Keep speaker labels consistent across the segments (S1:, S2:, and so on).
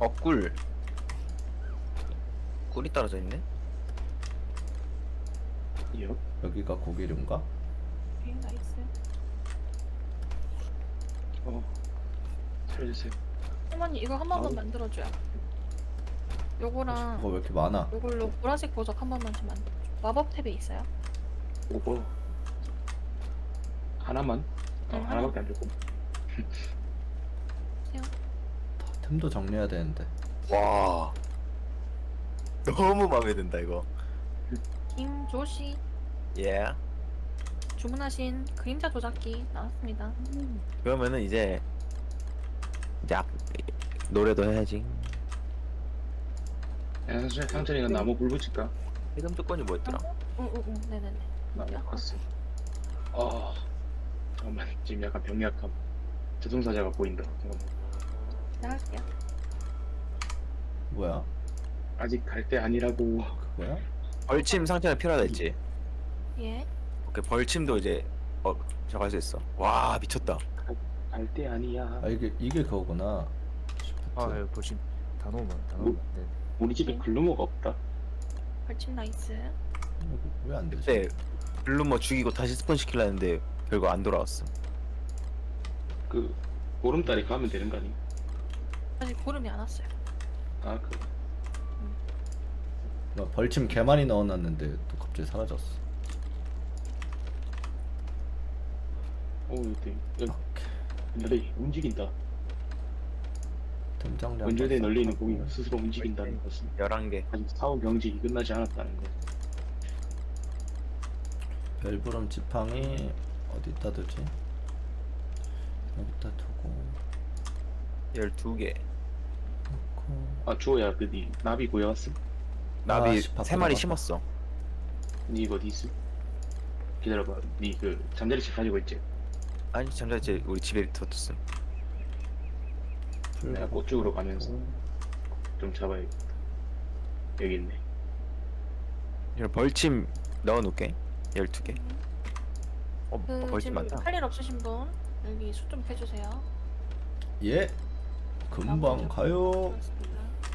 S1: 꿀. 꿀이 떨어져 있네.
S2: 요.
S3: 여기가 고기류인가?
S4: 오케이, 나이스.
S2: 살려주세요.
S4: 어머니 이거 한 번만
S2: 아우.
S4: 만들어줘요.
S3: 그거
S4: 요거랑
S3: 왜 이렇게 많아?
S4: 요걸로 보라색 보석 한 번만 좀 만들어줘. 마법 탭에 있어요?
S2: 오버. 하나만?
S4: 응,
S2: 하나밖에 안 줬고.
S3: 템도 정리해야 되는데.
S1: 와. 너무 마음에 든다 이거.
S4: 김조씨
S1: 예.
S4: 주문하신 그림자 조작기 나왔습니다.
S1: 그러면은 이제 노래도 해야지.
S2: 야, 상철이가 나무 불 붙일까?
S1: 해금 조건이 뭐였더라?
S4: 응응응 네네네.
S2: 나무 갔어. 잠깐만, 지금 약간 병약함. 저승사자가 보인다. 잠깐만.
S4: 나갈게요.
S3: 뭐야?
S2: 아직 갈 때 아니라고.
S3: 그거야?
S1: 벌침 상태가 필요하다 했지.
S4: 예.
S1: 오케이 벌침도 이제 저거 할 수 있어. 와 미쳤다.
S2: 갈 때 아니야.
S3: 아 이게 그거구나.
S5: 아, 예, 보시 다 넣으면 다 넣으면. 네.
S2: 우리 집에 글루머가 없다.
S4: 벌침 나이스.
S3: 왜 안 되지?
S1: 그때 블루머 죽이고 다시 스폰 시키려 했는데 결국 안 돌아왔어.
S2: 그 보름달에 가면 되는 거 아니?
S4: 아직 고름이 안 왔어요.
S3: 나 벌침 개 많이 넣어놨는데 또 갑자기 사라졌어.
S2: 여기 널리 움직인다.
S3: 등장량.
S2: 원전에 널리는 고기가 스스로 움직인다는 것은
S1: 11개.
S2: 아직 사후 경직이 끝나지 않았다는 것.
S3: 별부름 지팡이 어디다 두지? 여기다 두고
S1: 12개.
S3: 놓고.
S2: 주호야, 니 나비 구해왔음?
S1: 나비
S3: 씨,
S1: 3마리
S3: 바쁘다.
S1: 심었어.
S2: 니 이거 어디 있음? 기다려봐. 니 그 잠자리책 가지고 있지?
S1: 아니 잠자리 우리 집에 뒀었음.
S2: 내가 꽃 쪽으로 가면서 좀 잡아야겠다. 여기 있네.
S1: 이거 벌침 넣어놓게. 12개.
S4: 그
S1: 벌침
S4: 지금
S1: 많다.
S4: 할 일 없으신 분 여기 수 좀 해주세요.
S3: 예. 금방 가요.
S4: 그렇습니다.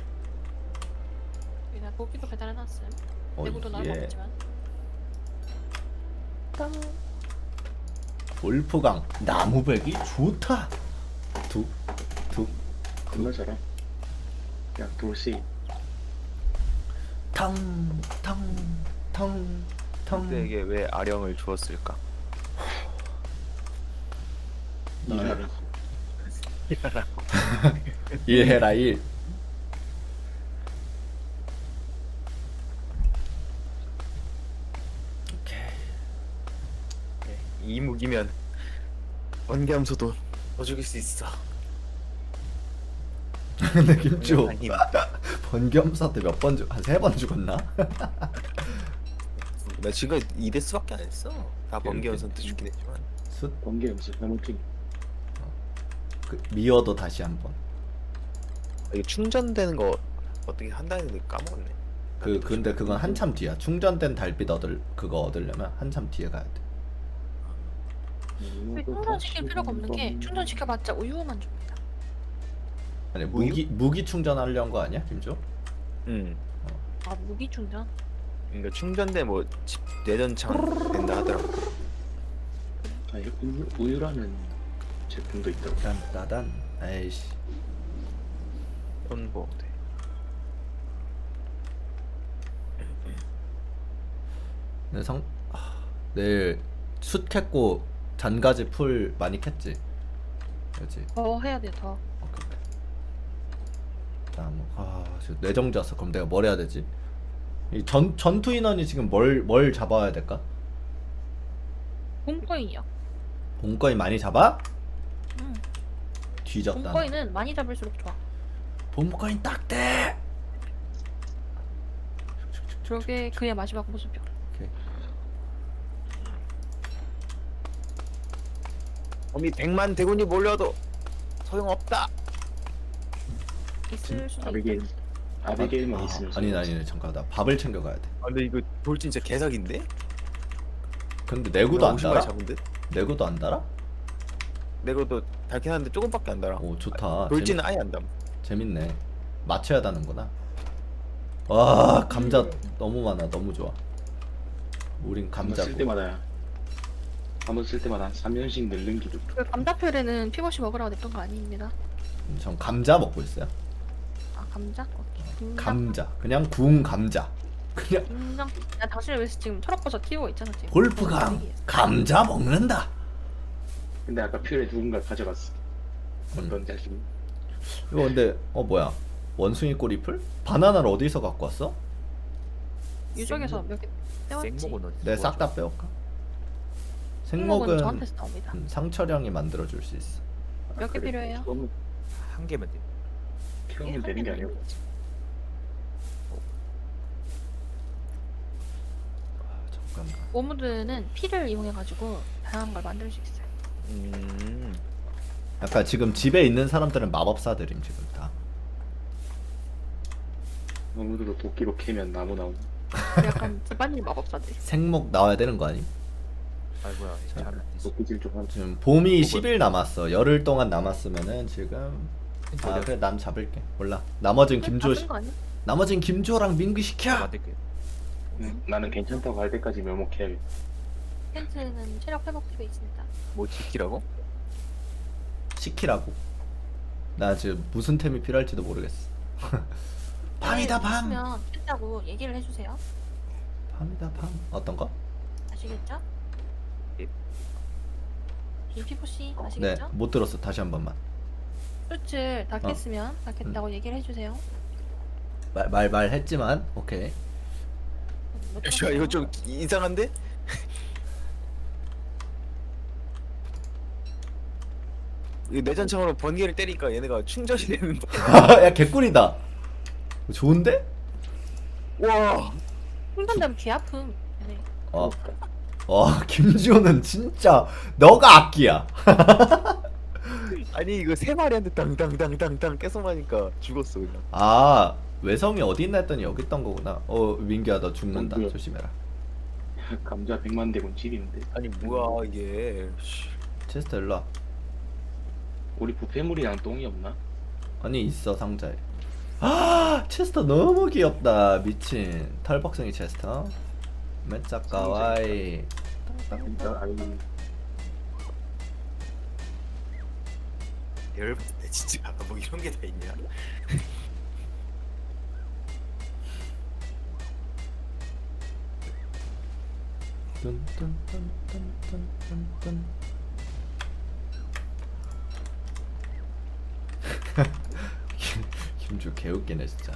S4: 여기다 고기도 배달해놨음. 내구도
S3: 예.
S4: 나눠먹지만.
S3: 골프강 나무배기 좋다. 두
S2: 겁나 잘함. 야, 돌씨.
S3: 탕탕탕탕.
S1: 그때에게 왜 아령을 주었을까?
S2: 일하는
S3: 일해라 일. 오케이.
S1: 이 무기면 원겸소도 더 죽일 수 있어.
S3: 근데 김주
S1: 아니,
S3: 번겸사 때 몇 번 한 3번 죽었나?
S1: 나 지금 2대스밖에 안 했어. 다
S3: 오케이,
S1: 번개연선 때 죽긴 했지만.
S3: 숫
S2: 번개 음식 해먹기.
S3: 미어도 다시 한 번.
S1: 이게 충전되는 거 어떻게 한다는데 까먹었네.
S3: 근데 그건 한참 뒤야. 충전된 달빛 그거 얻으려면 한참 뒤에 가야 돼.
S4: 충전시킬 필요가 없는 게 충전시켜봤자 우유만 줍니다.
S3: 아니
S1: 우유?
S3: 무기 충전하려는 거 아니야, 김주?
S1: 응.
S4: 아 무기 충전?
S1: 그러니까 충전돼 뭐 내전창 된다 하더라고.
S2: 아니, 우유라는 제품도 있더라고.
S3: 딴따단. 에이씨.
S1: 그런 거 돼.
S3: 내일 숯 캤고 잔가지 풀 많이 캤지? 그렇지.
S4: 더 해야 돼 더.
S3: 오케이. 지금 내정자서 그럼 내가 뭘 해야 되지? 이 전투 인원이 지금 뭘 잡아야 될까?
S4: 봄거인이요.
S3: 본거인 많이 잡아?
S4: 응.
S3: 뒤졌다.
S4: 봄거인은 많이 잡을수록 좋아.
S3: 본거인 딱대.
S4: 저게 그의 마지막 모습이야.
S3: 오케이.
S1: 범이 100만 대군이 몰려도 소용없다.
S4: 있을 수도
S2: 아비게일.
S4: 있다.
S2: 아비게일만 있으면.
S3: 아니네 잠깐 나 밥을 챙겨가야 돼.
S1: 아 근데 이거 돌 진짜 개사기인데?
S3: 근데 내구도 안
S1: 50마리
S3: 달아?
S1: 잡은 듯?
S3: 내구도 안 달아?
S1: 내가도 달긴 하는데 조금밖에 안 달아.
S3: 오 좋다.
S1: 돌진은 아예 안 담.
S3: 재밌네. 맞춰야 하는구나. 와 감자 너무 많아. 너무 좋아. 우린
S2: 한번 쓸
S3: 감자고.
S2: 때마다 한번 쓸 때마다 3년씩 늘는 기록.
S4: 그 감자표에는 피고시 먹으라고 냈던 거 아닙니다.
S3: 전 감자 먹고 있어요.
S4: 아 감자? 오케이.
S3: 감자. 그냥 구운 감자. 그냥
S4: 인정. 야 당신을 위해서 지금 철학버섯 키우고 있잖아 지금.
S3: 골프강 감자 먹는다.
S2: 근데 아까 퓨레 누군가 가져갔어.
S3: 음.
S2: 어떤 자식?
S3: 이거 근데 뭐야? 원숭이 꼬리풀? 바나나를 어디서 갖고 왔어?
S4: 유적에서 몇 개 떼왔지.
S5: 생목은 어디?
S3: 내가 싹 다 빼올까?
S4: 생목은
S3: 생목은
S4: 저한테서 나옵니다.
S3: 상철형이 만들어 줄 수 있어.
S4: 몇 개 필요해요?
S2: 키우면,
S5: 한 개면 돼.
S2: 키우면 되는 게 아니고.
S3: 잠깐만.
S4: 오무드는 피를 이용해가지고 다양한 걸 만들 수 있어요.
S3: 약간 지금 집에 있는 사람들은 마법사들임 지금 다.
S2: 너무도 도끼로 캐면 나무 나오고.
S4: 약간 집안일 마법사들.
S3: 생목 나와야 되는 거 아니?
S5: 아이고야, 잘안 되지.
S2: 도끼질 좀 하고.
S3: 지금 봄이 10일 남았어. 열흘 동안 남았으면은 지금 아
S5: 어디야?
S3: 그래 난 잡을게. 몰라. 나머진 김조
S4: 다쓴거 아니야?
S3: 나머진 김조랑 민규 시켜.
S5: 만들게.
S2: 나는 괜찮다고 할 때까지 멸목해야겠다.
S4: 펜트는 체력 회복 팁에 있습니다.
S1: 뭐 지키라고?
S3: 시키라고. 나 지금 무슨 템이 필요할지도 모르겠어. 밤이다 밤.
S4: 면 펜트하고 얘기를 해주세요.
S3: 밤이다 밤. 어떤 거?
S4: 아시겠죠?
S5: 예.
S4: 김피포씨
S3: 네,
S4: 아시겠죠?
S3: 못 들었어. 다시 한 번만.
S4: 수출 다 깼으면 다 깼다고 얘기를 해주세요.
S3: 말했지만 오케이.
S1: 야 이거 좀 이상한데? 이 내전창으로 번개를 때리니까 얘네가 충전이 되는
S3: 야 개꿀이다. 좋은데?
S1: 와
S4: 충전되면 귀 아픔. 네.
S3: 김지호는 진짜 너가 악기야.
S1: 아니 이거 세 마리한테 땅땅땅땅땅 계속 맞으니까 죽었어 그냥.
S3: 아 외성이 어디 있나 했더니 여기 있던 거구나. 민규야 너 죽는다.
S2: 뭐야?
S3: 조심해라.
S2: 감자 100만 대군 찌리는데.
S1: 아니 뭐야 이게. 씨.
S3: 체스터 일로 와.
S2: 우리 부패물이랑 똥이 없나?
S3: 아니 있어 상자에. 아 체스터 너무 귀엽다. 미친 털박성이 체스터. 메짜 까와이.
S2: 진짜 아니
S1: 열받네 진짜. 뭐 이런 게 다 있냐?
S3: 뚠뚠뚠뚠뚠뚠뚠. 김주 개웃기네 진짜.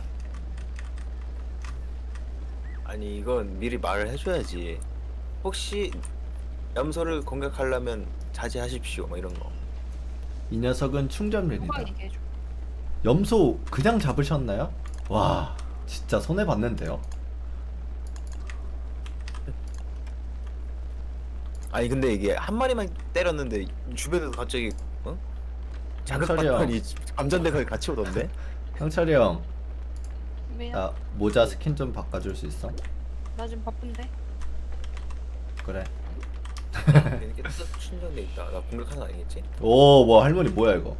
S1: 아니 이건 미리 말을 해줘야지. 혹시 염소를 공격하려면 자제하십시오 뭐 이런 거.
S3: 이 녀석은 충전맨이다.
S4: 누가 얘기해줘.
S3: 염소 그냥 잡으셨나요? 와 진짜 손해 봤는데요.
S1: 아니 근데 이게 한 마리만 때렸는데 주변에서 갑자기
S3: 상철이 형.
S1: 자극받더니 감전대가 같이 오던데?
S3: 형철이 형,
S4: 왜요?
S3: 나 모자 스킨 좀 바꿔줄 수 있어?
S4: 나 지금 바쁜데.
S3: 그래.
S1: 이렇게 딱 충전돼 있다. 나 공격하는 거 아니겠지?
S3: 오, 뭐 할머니 뭐야 이거?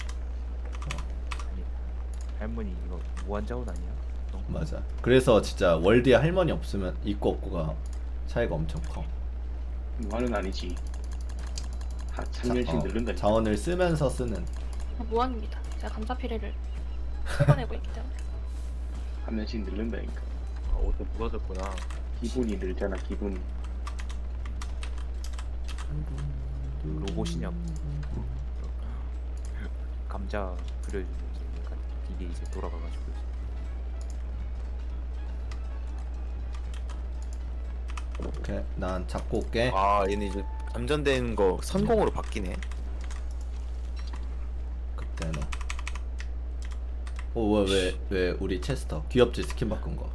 S5: 아니, 할머니 이거 무한자원 아니야?
S3: 맞아. 그래서 진짜 월드에 할머니 없으면 있고 없고가 차이가 엄청 커.
S2: 무한은 아니지. 3년씩 늘른다.
S3: 자원을 쓰면서 쓰는.
S4: 무한입니다. 제가 감자 피레를 쏟아내고 있기 때문에.
S2: 3년씩 늘른다니까.
S1: 아, 옷도 무거졌구나.
S2: 기분이 늘잖아 기분이.
S5: 로봇이냐? 감자 그려주는 이제 약간 이게 이제 돌아가가지고
S3: 오케이, 난 잡고 올게.
S1: 아 얘네 이제 감전된 거 선공으로 바뀌네.
S3: 그때는. 왜 우리 체스터 귀엽지 스킨 바꾼 거.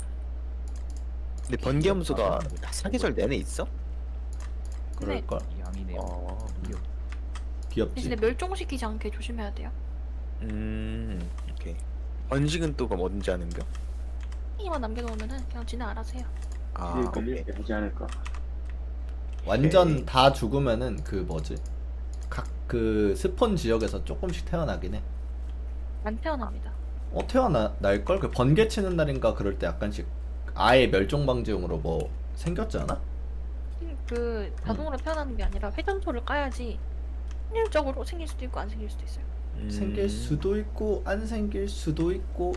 S1: 근데 번개 염소가 사계절 내내 있어?
S3: 그럴 걸.
S5: 양이네요.
S1: 아,
S3: 귀엽지.
S4: 대신에 멸종시키지 않게 조심해야 돼요.
S1: 오케이. 번식은 또 그럼 언제 하는 겨?
S4: 이만 남겨놓으면은 그냥 지네 알아서 해요.
S1: 아,
S2: 이제
S1: 오케이.
S2: 걸릴 때 하지 않을까.
S3: 완전
S1: 오케이.
S3: 다 죽으면은 그 뭐지? 각 그 스폰 지역에서 조금씩 태어나긴 해.
S4: 안 태어납니다.
S3: 태어날걸? 그 번개 치는 날인가 그럴 때 약간씩 아예 멸종방지용으로 뭐 생겼지 않아?
S4: 그 자동으로 태어나는 게 아니라 회전토를 까야지 확률적으로 생길 수도 있고 안 생길 수도 있어요.
S3: 생길 수도 있고 안 생길 수도 있고.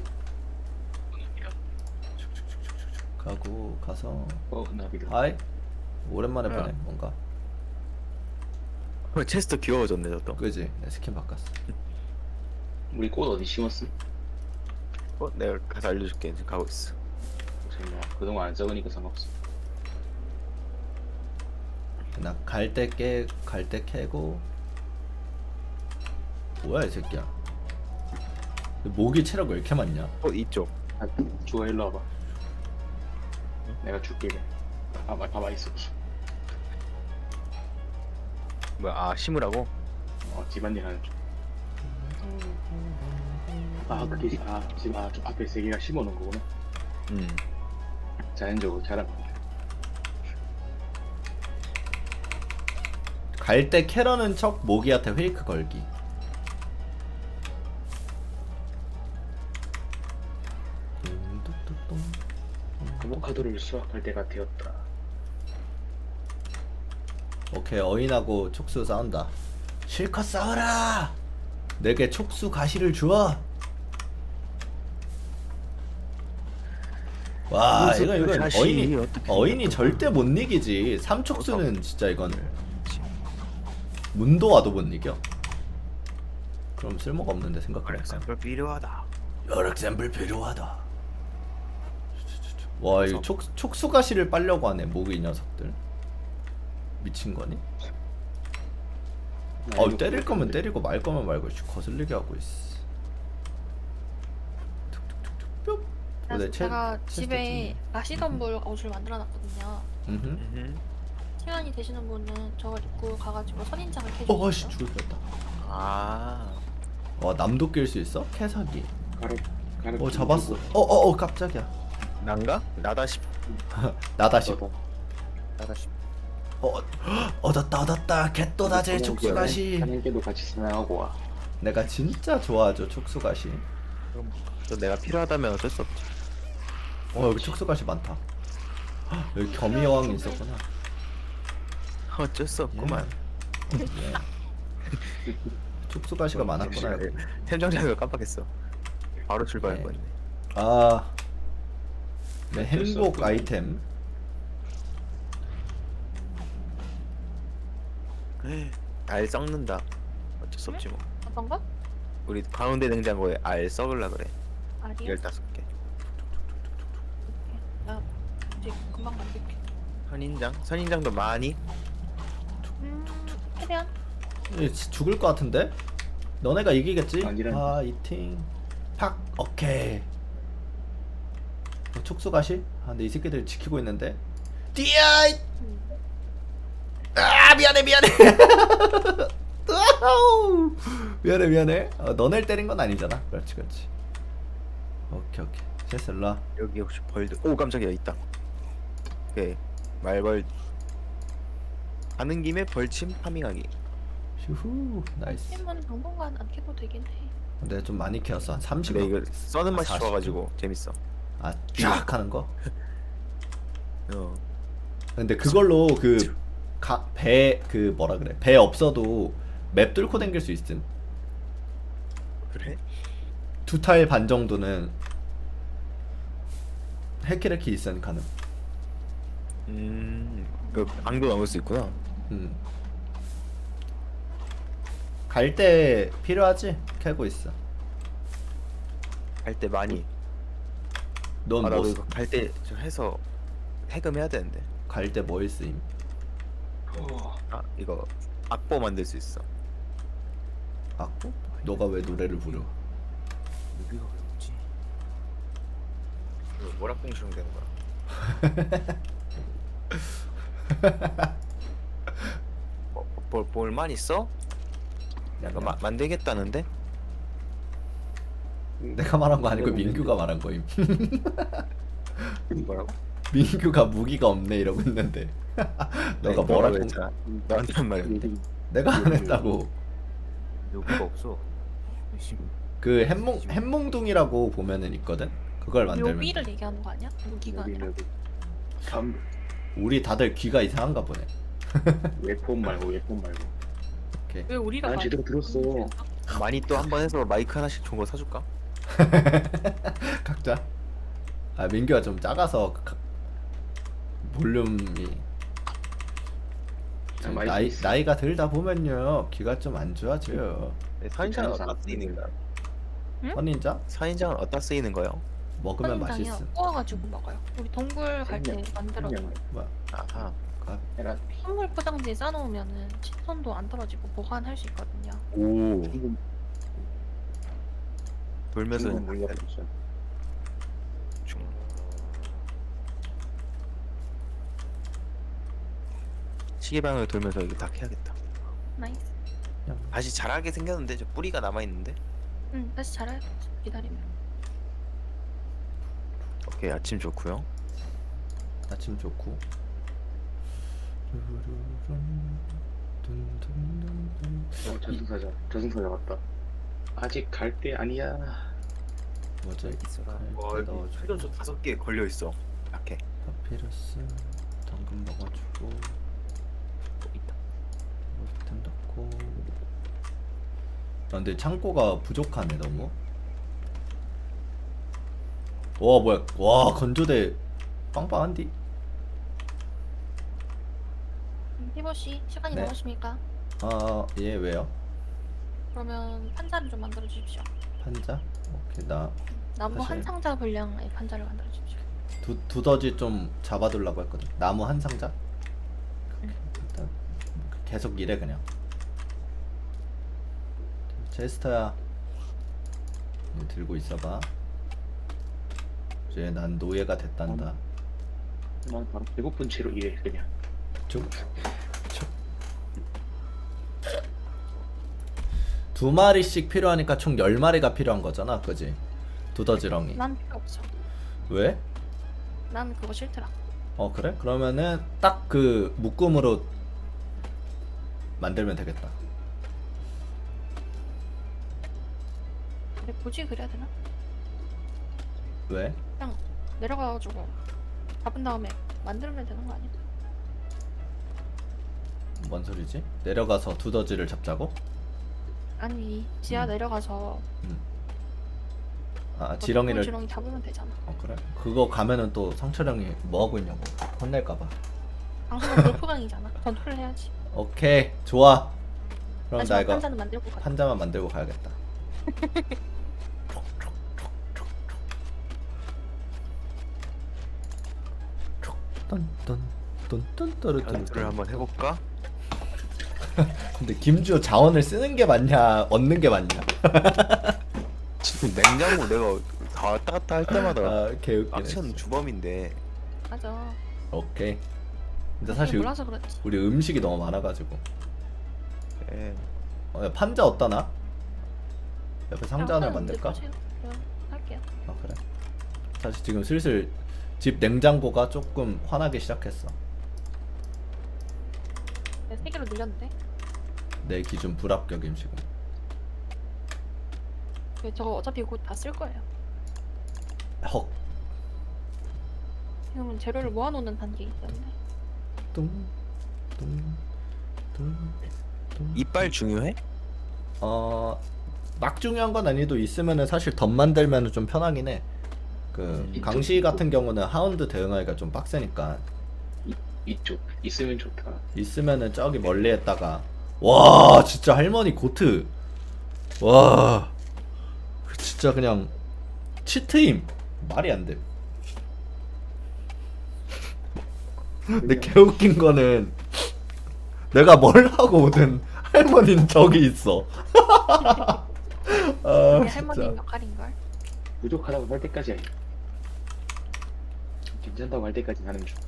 S3: 가고 가서
S2: 나비다.
S3: 아이 오랜만에
S1: 뭐야?
S3: 보네 뭔가.
S1: 체스터 귀여워졌네 저또.
S3: 그지? 내 스킨 바꿨어.
S2: 우리 꽃 어디 심었음?
S1: 내가 가서 알려줄게. 지금 가고 있어.
S2: 뭐 그동안 안 적으니까 상관없어.
S3: 나 갈 때 캐고. 뭐야 이 새끼야. 모기 체력 왜 이렇게 많냐?
S1: 이쪽.
S2: 아, 주워 일로 와봐. 내가 줄게. 봐봐 있어.
S1: 뭐야? 아 심으라고?
S2: 집안일 하는 중. 그게 지금 좀 앞에 세 개가 심어놓은 거구나. 자연적으로 자란 거.
S3: 갈 때 캐러는 척 모기한테 페이크 걸기.
S2: 아보카도를 수확할 때가 되었다.
S3: 오케이 어인하고 촉수 싸운다. 실컷 싸워라. 내게 촉수 가시를 주어. 와 이건 어인이 절대 못 이기지. 삼촉수는 진짜 이건 문도 와도 못 이겨. 그럼 쓸모가 없는데 생각해보니까.
S1: 별 필요하다.
S3: 여러 샘플 필요하다. 와 이 촉수 가시를 빨려고 하네 모기 이 녀석들. 미친 거니? 때릴 거면 때리고 말 거면 말고 거슬리게 하고 있어. 툭툭툭툭 뿅.
S4: 그래서 제가
S3: 체스터
S4: 집에
S3: 좀-
S4: 라시덤불 옷을 만들어놨거든요. 시간이 되시는 분은 저걸 입고 가가지고 선인장을 캐주세요.
S3: 씨 죽을 뻔했다.
S1: 아.
S3: 와 남도 낄 수 있어? 캐사기.
S2: 가로
S3: 잡았어. 깜짝이야.
S1: 난가? 나다 싶.
S3: 나다시.
S1: 나다 싶.
S3: 얻었다. 개또다제 촉수가시.
S2: 한양께도 같이 사냥하고 와.
S3: 내가 진짜 좋아하죠 촉수가시.
S1: 그럼 또 내가 필요하다면 어쩔 수 없지.
S3: 여기 촉수가시 많다. 여기 겸이 여왕이 있었구나.
S1: 어쩔 수 없구만.
S3: 예. 촉수가시가 많았구나. 여기.
S1: 템정장을 깜빡했어. 바로 출발할
S3: 네.
S1: 뻔했네.
S3: 네, 행복 아이템.
S1: 알 썩는다. 어쩔 수 없지 뭐.
S4: 어떤 거?
S1: 우리 가운데 냉장고에 알 썩을라 그래.
S4: 아니요.
S1: 15개.
S4: 나 이제 금방 만들게.
S1: 선인장도 많이?
S4: 최대한.
S3: 죽을 것 같은데? 너네가 이기겠지?
S2: 아니란.
S3: 이팅. 팍. 오케이. 촉수가시? 근데 이 새끼들 지키고 있는데. 뛰어! 미안해. 미안해. 너네를 때린 건 아니잖아. 그렇지. 오케이. 됐어, 일로와.
S1: 여기 혹시 벌드? 오 깜짝이야 있다. 오케이 말벌 가는 김에 벌침 파밍하기.
S3: 휴후. 나이스.
S4: 팀은 당분간 안 캐도 되긴 해.
S3: 근데 좀 많이 키웠어. 한 30.
S1: 근데 이거 써는 맛이
S3: 40.
S1: 좋아가지고 재밌어.
S3: 쫙 하는 거. 근데 그걸로 배 없어도 맵 뚫고 댕길 수 있음.
S1: 그래?
S3: 2탈 반 정도는 해키레키 있으니 가능.
S1: 그 방도 넘을 수 있구나.
S3: 갈 때 필요하지? 캐고 있어.
S1: 갈 때 많이.
S3: 넌
S1: 나도
S3: 뭐
S1: 이거 갈 때 좀 해서 해금해야 되는데.
S3: 갈 때 뭐 있음?
S1: 이거 악보 만들 수 있어.
S3: 악보? 너가 왜 노래를 부려?
S1: 여기가 왜 없지? 이거 모락봉시령 되는 거야. 볼만 있어? 약간 만들겠다는데?
S3: 내가 말한 거 아니고 민규가 말한 거임.
S1: 뭐라고?
S3: 민규가 무기가 없네 이러고 있는데 너가 뭐라고
S1: 했잖아. 너한테 한 말이었는데.
S3: 내가 안 했다고.
S5: 여기가 없어.
S3: 그 햄몽둥이라고 보면은 있거든. 그걸 만들면
S4: 묘비를
S3: 돼.
S4: 얘기하는 거 아니야? 무기가
S2: 여기
S4: 아니라.
S2: 여기. 다음
S3: 우리 다들 귀가 이상한가 보네.
S2: 웹폰 말고 웹폰 말고.
S3: 오케이.
S4: 왜 우리가
S2: 난
S4: 많이
S2: 제대로 들었어.
S1: 많이 또 한 번 해서 마이크 하나씩 좋은 거 사줄까?
S3: 각자. 아 민규가 좀 작아서 볼륨이
S2: 아, 마이크
S3: 나이
S2: 있어.
S3: 나이가 들다 보면요 귀가 좀 안 좋아져요.
S1: 네, 사인장은
S2: 괜찮아서
S1: 어디다
S2: 안
S1: 쓰이는 거야?
S4: 응?
S3: 선인장
S1: 사인장은 어디다 쓰이는 거요?
S3: 먹으면
S4: 선인장이요.
S3: 맛있음.
S4: 구워가지고 먹어요. 우리 동굴 갈 때
S2: 그냥,
S4: 만들어.
S2: 그냥.
S3: 뭐야?
S1: 아하.
S3: 아,
S2: 에라
S4: 선물 포장지에 싸놓으면은 신선도 안 떨어지고 보관할 수 있거든요.
S1: 오.
S2: 지금
S1: 돌면서
S2: 지금 물려고 있어.
S1: 시계방을 돌면서 이거 다 캐야겠다.
S4: 나이스.
S1: 다시 자라게 생겼는데 저 뿌리가 남아 있는데.
S4: 응, 다시 자라요. 기다리면.
S1: 오케이 아침 좋고요.
S3: 아침 좋고.
S2: 저승사자 왔다. 아직 갈 때 아니야.
S3: 뭐지?
S1: 와 여기
S3: 넣어주고
S1: 회전수 5개 걸려 있어. 약해.
S3: 파피러스 당근 먹어주고
S1: 또 있다.
S3: 로스템 넣고. 아 근데 창고가 부족하네 너무. 와 뭐야? 와 건조대 빵빵한디?
S4: 피버씨 시간이
S3: 네.
S4: 남으십니까?
S3: 아예 왜요?
S4: 그러면 판자를 좀 만들어 주십시오.
S3: 판자? 오케이 나
S4: 나무
S3: 사실-
S4: 한 상자 분량의 판자를 만들어 주십시오.
S3: 두더지 좀 잡아두려고 했거든. 나무 한 상자?
S4: 응.
S3: 일단 계속 일해 그냥. 제스터야 이거 들고 있어봐. 이제 난 노예가 됐단다.
S2: 난 바로 배고픈 채로 일해 그냥.
S3: 쭉. 두 마리씩 필요하니까 총 10마리가 필요한 거잖아, 그지? 두더지렁이.
S4: 난 필요 없어.
S3: 왜?
S4: 난 그거 싫더라.
S3: 어 그래? 그러면은 딱 그 묶음으로 만들면 되겠다.
S4: 근데 굳이 그래야 되나?
S3: 왜?
S4: 그냥 내려가가지고 잡은 다음에 만들면 되는 거 아니야?
S3: 뭔 소리지? 내려가서 두더지를 잡자고?
S4: 아니 지하 내려가서
S3: 아 지렁이를.
S4: 지렁이 잡으면 되잖아.
S3: 어 그래? 그거 가면은 또 상철형이 뭐 하고 있냐고 혼낼까봐.
S4: 방송은 골프강이잖아. 전투를 해야지.
S3: 오케이 좋아. 그럼 나
S4: 하지만
S3: 이거
S4: 판자는 만들고 가.
S3: 판자만 만들고 가야겠다.
S1: 전투를 한번 해볼까?
S3: 근데 김주호 자원을 쓰는 게 맞냐 얻는 게 맞냐?
S1: 지금 냉장고 내가 다 왔다 갔다 할 때마다
S3: 아 개웃기네.
S1: 악션
S3: 진짜.
S1: 주범인데.
S4: 맞아.
S3: 오케이. 근데
S4: 사실
S3: 사실
S4: 몰라서 그렇지.
S3: 우리 음식이 너무 많아가지고.
S1: 예.
S3: 야, 판자 어디다 놔? 옆에 상자 하나 만들까?
S4: 그냥 할게요.
S3: 아 그래. 사실 지금 슬슬 집 냉장고가 조금 화나기 시작했어.
S4: 내가 3개로 늘렸는데.
S3: 내 기준 불합격임 지금.
S4: 근데 저거 어차피 곧 다 쓸 거예요.
S3: 헉.
S4: 지금은 재료를 모아놓는 단계이기 때문에.
S3: 뚱뚱뚱뚱.
S1: 이빨 중요해?
S3: 막 중요한 건 아니도 있으면은 사실 덧 만들면은 좀 편하긴 해. 그 강시 같은 경우는 하운드 대응하기가 좀 빡세니까
S2: 이쪽 있으면 좋다.
S3: 있으면은 저기 멀리 했다가 와 진짜 할머니 고트 와 진짜 그냥 치트임 말이 안 돼. 근데 개웃긴 거는 내가 뭘 하고 오든 할머니는 저기 있어. 아
S4: 그게 할머니
S3: 진짜.
S4: 역할인걸.
S2: 부족하다고 할 때까지 아니야. 괜찮다고 할 때까지 하는 중.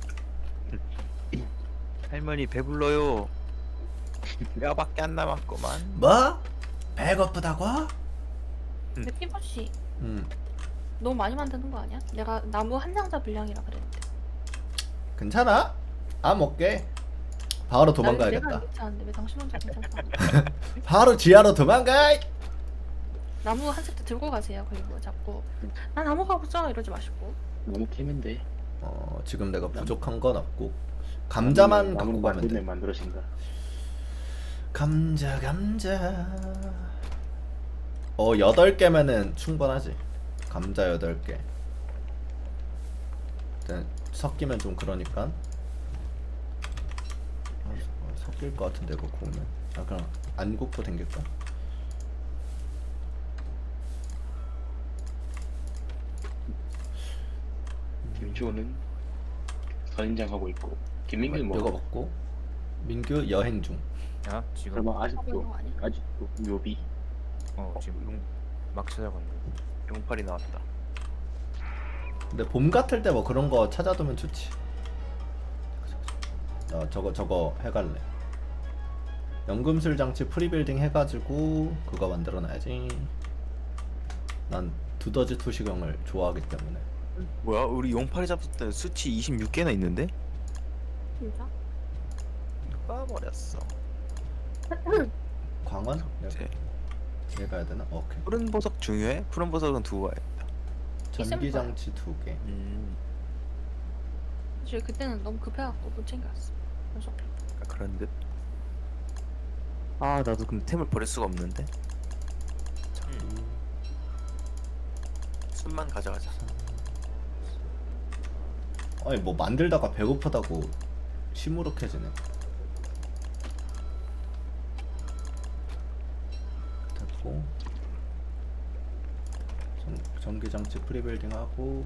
S1: 할머니 배불러요. 뼈밖에 안 남았구만.
S3: 뭐? 배고프다고?
S4: 근데 피버씨
S3: 응.
S4: 너무 많이 만드는 거 아니야? 내가 나무 한 상자 분량이라 그랬는데.
S3: 괜찮아? 아 먹게. 바로
S4: 내가
S3: 도망가야겠다.
S4: 안 괜찮은데 왜 당신 혼자 괜찮다?
S3: 바로 지하로 도망가.
S4: 나무 한 세트 들고 가세요. 그리고 자꾸 난 나무가 없어 이러지 마시고.
S2: 너무 캐면 돼.
S3: 지금 내가 부족한 건 없고 감자만 갖고
S2: 나무
S3: 가면 돼.
S2: 만들면 만들어진다.
S3: 감자 8개면은 충분하지. 감자 8개. 일단 섞이면 좀 그러니까 섞일 것 같은데 이거 구우면. 그냥 안 굽고 댕길까?
S2: 김주호는 선인장 하고 있고 김민규는
S3: 이거
S2: 뭐?
S3: 먹고 민규 여행 중.
S5: 야 지금
S2: 설마
S4: 하고 있는 거 아니야?
S2: 아직도 묘비?
S5: 지금 막 찾아봤는데.
S1: 용팔이 나왔다.
S3: 근데 봄 같을 때 뭐 그런 거 찾아두면 좋지. 저거 해갈래. 연금술 장치 프리빌딩 해가지고 그거 만들어놔야지. 난 두더지 투시경을 좋아하기 때문에.
S1: 뭐야? 우리 용팔이 잡을 때 수치 26개나 있는데?
S4: 진짜?
S1: 까버렸어.
S3: 광원?
S1: 제
S3: 얘 가야 되나? 오케이.
S1: 푸른 보석 중요해? 푸른 보석은 두고 와야겠다.
S3: 전기 장치 2개.
S4: 사실 그때는 너무 급해갖고 못 챙겼어. 그래서
S1: 그런 듯. 아 나도 근데 템을 버릴 수가 없는데. 숨만 가져가자.
S3: 아니 뭐 만들다가 배고프다고 시무룩해지네. 됐고 전기장치 프리빌딩 하고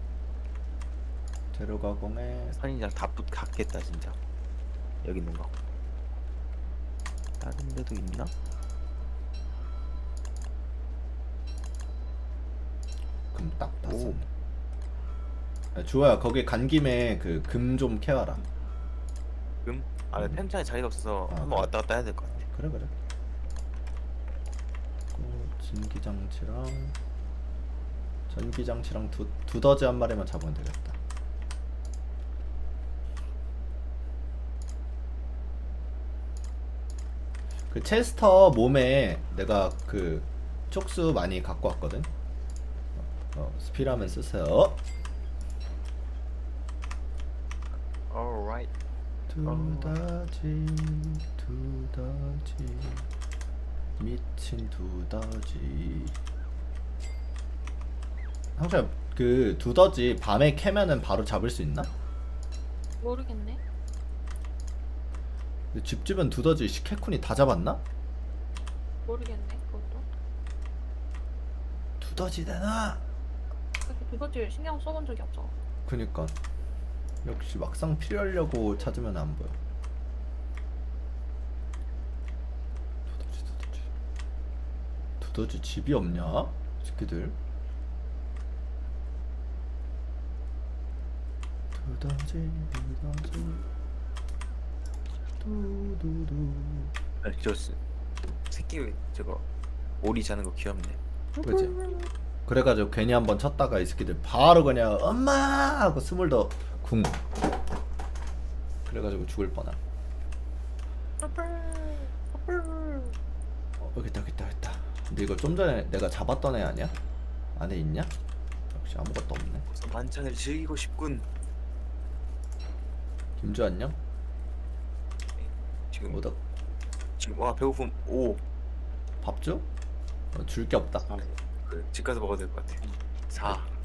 S3: 재료 가공에
S1: 선인장 다 갖겠다 진짜. 여기 있는 거. 다른 데도 있나?
S3: 금 딱
S1: 오.
S3: 땄어. 주호야 거기 간 김에 그 금 좀 캐와라.
S1: 금? 아 템창에 자리가 없어서
S3: 아,
S1: 한번
S3: 그래.
S1: 왔다 갔다 해야 될 것 같아.
S3: 그래. 전기장치랑 전기장치랑 두더지 한 마리만 잡으면 되겠다. 그 체스터 몸에 내가 그 촉수 많이 갖고 왔거든. 스피라면 쓰세요.
S1: Alright.
S3: 두더지 미친 두더지. 항상 그 두더지 밤에 캐면은 바로 잡을 수 있나?
S4: 모르겠네.
S3: 근데 집 주변 두더지 시케쿤이 다 잡았나?
S4: 모르겠네. 그것도.
S3: 두더지 되나?
S4: 그렇게 그것들 신경 써본 적이 없어.
S3: 그니까 역시 막상 필요하려고 찾으면 안 보여. 두더지 집이 없냐? 새끼들. 두더지 두두두.
S1: 저 새끼 저거 오리 자는 거 귀엽네.
S3: 그치? 그래가지고 괜히 한번 쳤다가 이 새끼들 바로 그냥 엄마 하고 스물더 궁. 그래가지고 죽을 뻔함. 여기 있다. 근데 이거 좀 전에 내가 잡았던 애 아니야? 안에 있냐? 역시 아무것도 없네.
S1: 우선 만찬을 즐기고 싶군.
S3: 김주 안녕?
S1: 지금
S3: 뭐다?
S1: 지금 와 배고픔. 오.
S3: 밥 줘? 줄 게 없다.
S2: 아,
S1: 집 가서 먹어야 될 것 같아. 4.